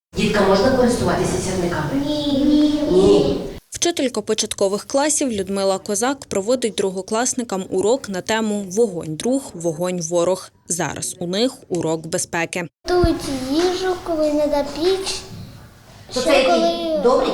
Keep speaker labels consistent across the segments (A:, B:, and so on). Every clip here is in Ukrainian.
A: Діткам можна користуватися сірниками? Ні.
B: Вчителька початкових класів Людмила Козак проводить другокласникам урок на тему «Вогонь друг, вогонь ворог». Зараз у них урок безпеки.
C: Готують їжу, коли не до піч.
A: То це який? Добрий?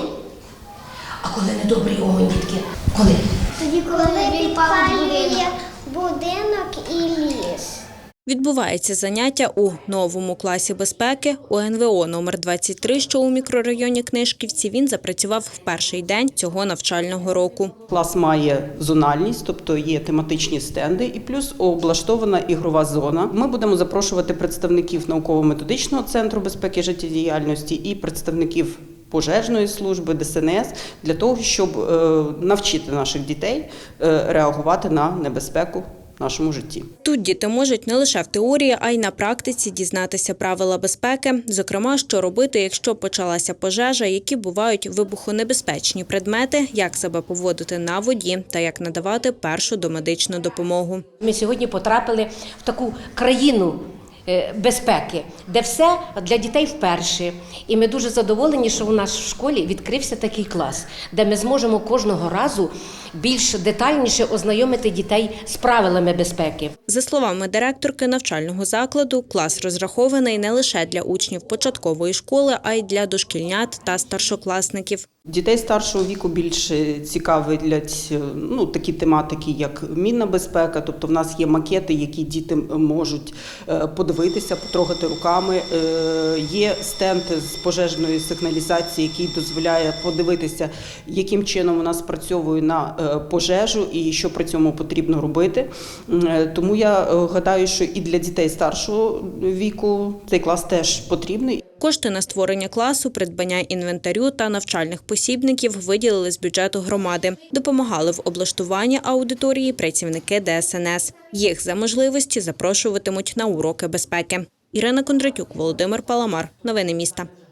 A: А коли не добрий огонь, дітки? Коли?
C: Тоді, коли підпалює будинок і ліс.
B: Відбувається заняття у новому класі безпеки УНВО номер 23, що у мікрорайоні Книжківці. Він запрацював в перший день цього навчального року.
D: Клас має зональність, тобто є тематичні стенди і плюс облаштована ігрова зона. Ми будемо запрошувати представників науково-методичного центру безпеки і життєдіяльності і представників пожежної служби, ДСНС, для того, щоб навчити наших дітей реагувати на небезпеку в нашому житті.
B: Тут діти можуть не лише в теорії, а й на практиці дізнатися правила безпеки, зокрема, що робити, якщо почалася пожежа, які бувають вибухонебезпечні предмети, як себе поводити на воді та як надавати першу домедичну допомогу.
A: Ми сьогодні потрапили в таку країну безпеки, де все для дітей вперше. І ми дуже задоволені, що у нас в школі відкрився такий клас, де ми зможемо кожного разу більш детальніше ознайомити дітей з правилами безпеки.
B: За словами директорки навчального закладу, клас розрахований не лише для учнів початкової школи, а й для дошкільнят та старшокласників.
D: Дітей старшого віку більше цікавлять такі тематики, як мінна безпека. Тобто в нас є макети, які діти можуть подивитися, потрогати руками. Є стенд з пожежної сигналізації, який дозволяє подивитися, яким чином вона спрацьовує на пожежу і що при цьому потрібно робити. Тому я гадаю, що і для дітей старшого віку цей клас теж потрібний.
B: Кошти на створення класу, придбання інвентарю та навчальних посібників виділили з бюджету громади. Допомагали в облаштуванні аудиторії працівники ДСНС. Їх за можливості запрошуватимуть на уроки безпеки. Ірина Кондратюк, Володимир Паламар. Новини міста.